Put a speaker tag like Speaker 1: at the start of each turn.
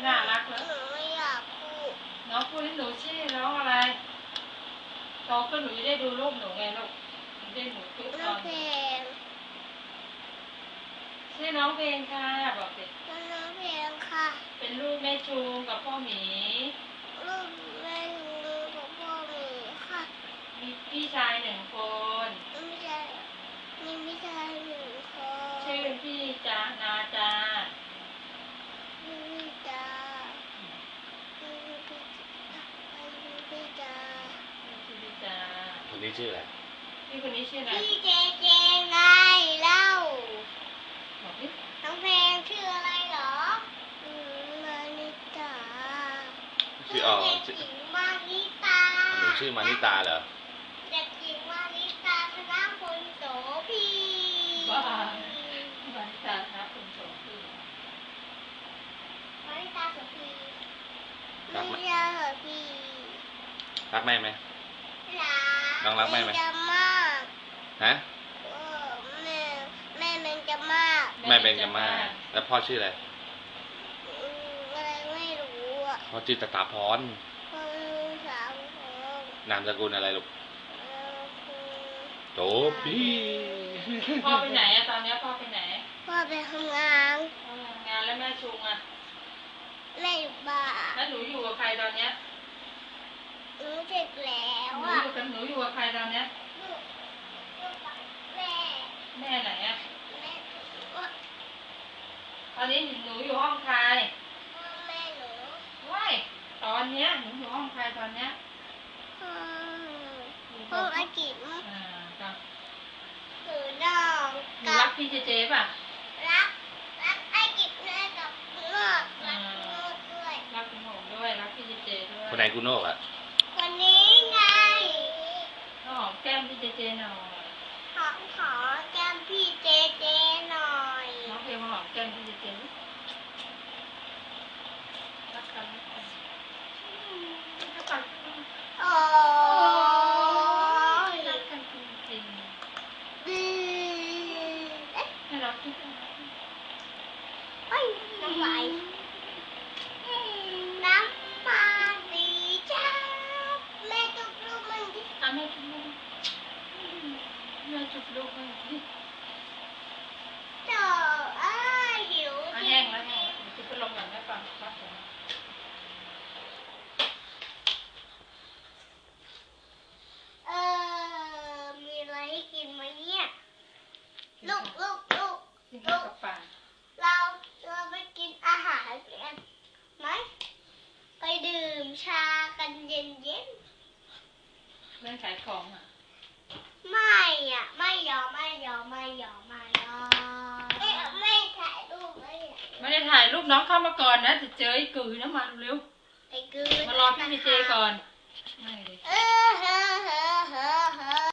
Speaker 1: น่ารักแล้ว
Speaker 2: หนูไม่อยากพูด
Speaker 1: น้องพูดให้หนูชื่อน้องอะไรโตขึ้นหนูจะได้ดูรูปหนูไงลูกได้หนูทุกต
Speaker 2: น้อ
Speaker 1: อง น
Speaker 2: เพลง
Speaker 1: ชื่อน้องเพลงค่ะบอกสิ
Speaker 2: น้องเพลงค่ะ
Speaker 1: เป็นลูกแม่ชูกับพ่อหมี
Speaker 2: ลูกแม่หนูกับพ่อหมีค่ะ
Speaker 1: มีพี่ชาย1 คน
Speaker 2: ไม่ใช่มีพี่ชายหนึ่งคน
Speaker 1: ชื่อพี่จานาจา
Speaker 2: พี่จ๋าพี่จ๋า
Speaker 1: ชื่อพี่จา
Speaker 3: คนนี้ชื่ออะไร
Speaker 1: พี่คนนี้ชื่ออะไร
Speaker 2: พี่เจเจไงเล่า
Speaker 1: บอกดิ
Speaker 2: น้องเพลงชื่ออะไรเหรอมานิตา
Speaker 3: ชื่อ
Speaker 2: เด็กหญิงมานิตา
Speaker 3: หนูชื่อมานิตาเหรอ
Speaker 2: เด็กหญิงมานิตาธนพลโสภี
Speaker 1: บ้าบ้านตาครับคุณโสภี
Speaker 2: มานิตาโสภี
Speaker 3: รักไหม
Speaker 2: ไม่ใช่โสภี
Speaker 3: รักแม่ไหม
Speaker 2: รัก
Speaker 3: น้องรักแม่ไหม
Speaker 2: จะมาก
Speaker 3: ฮะ
Speaker 2: แม่มันจะมาก
Speaker 3: แม่เป็นกันมากแล้วพ่อชื่ออะไร
Speaker 2: อะไรไม่รู้อ่ะ
Speaker 3: พ่อชื่อตาพร
Speaker 2: พ่อสาวของ
Speaker 3: นามสกุลอะไรลูก
Speaker 2: คุณ
Speaker 3: โตพี่
Speaker 1: พ่อไปไหนอะตอนนี้พ่อไปไหน
Speaker 2: พ่อไปทำงาน
Speaker 1: พ่อทำงานแล้วแม่ชุงอะ
Speaker 2: แม่อยู่บ้าน
Speaker 1: แล้วหนูอยู่กับใครตอนเนี้ย
Speaker 2: หนูเสร็จแล้
Speaker 1: ห
Speaker 2: ว
Speaker 1: นู
Speaker 2: อ่ะ
Speaker 1: อยู่กับใครตอนเนี้ย
Speaker 2: อยู่กับแม่
Speaker 1: แม่ไหนอะ
Speaker 2: แม่
Speaker 1: ตอนนี้หนูอยู่ห้องใคร
Speaker 2: แม่หนู
Speaker 1: ว้ายตอนเนี้ยหนูอยู่ห้องใครตอนเนี้ย
Speaker 2: ห้องอาจิ๋ม
Speaker 1: จ้ะ
Speaker 2: หนูน้อง
Speaker 1: หนู
Speaker 2: กั
Speaker 1: รั
Speaker 2: บ
Speaker 1: กพี่เจเจป่ะ
Speaker 2: รักอาจิ๋มแม่กับนอกรักนอกด้วย
Speaker 1: รักคุณหงด้วยรักพี่เจเจด้วย
Speaker 3: คนไหนกูโนกอ่ะ
Speaker 2: คนนี้ไง
Speaker 1: น้องหอมแก้มพี่เจเจหน่อย
Speaker 2: ขอแก้มพี่เจเจหน่อย
Speaker 1: น้องเพลงมาหอมแก้มพี่เจเจรักกันรักกัน
Speaker 2: โอ้ย
Speaker 1: รักกันจริง
Speaker 2: ดื้อ
Speaker 1: ๆให้รักที่สุด
Speaker 2: เอ้ยน้ำไหลน้ำมาดีจ้าแม่จุกลูกมันดิ
Speaker 1: อ่ะแม่จุ๊บลูกแม่จุ๊บลูกให้ดิ
Speaker 2: เจ้าอ้ายหิว
Speaker 1: อ่ะแห้งแล้วแห้งแล้วจะไปลงหลังแม่ฟังครับผม
Speaker 2: มีอะไรให้กินไหมเนี่ยลูก
Speaker 1: กินข้าวกับปลา
Speaker 2: เราไปกินอาหารกันไหมไปดื่มชากันเย็น
Speaker 1: เรื่องขายของอ่ะ
Speaker 2: ๆไม่อ่ะไม่ยอมไม่ถ่ายรูปไม่
Speaker 1: ไม่ได้ถ่ายรูปน้องเข้ามาก่อนนะจะเจอไอ้กือนะมาเร็ว
Speaker 2: ไอ้กือ
Speaker 1: มารอพี่พีเจก่อนไม่เลย
Speaker 2: เฮ้อ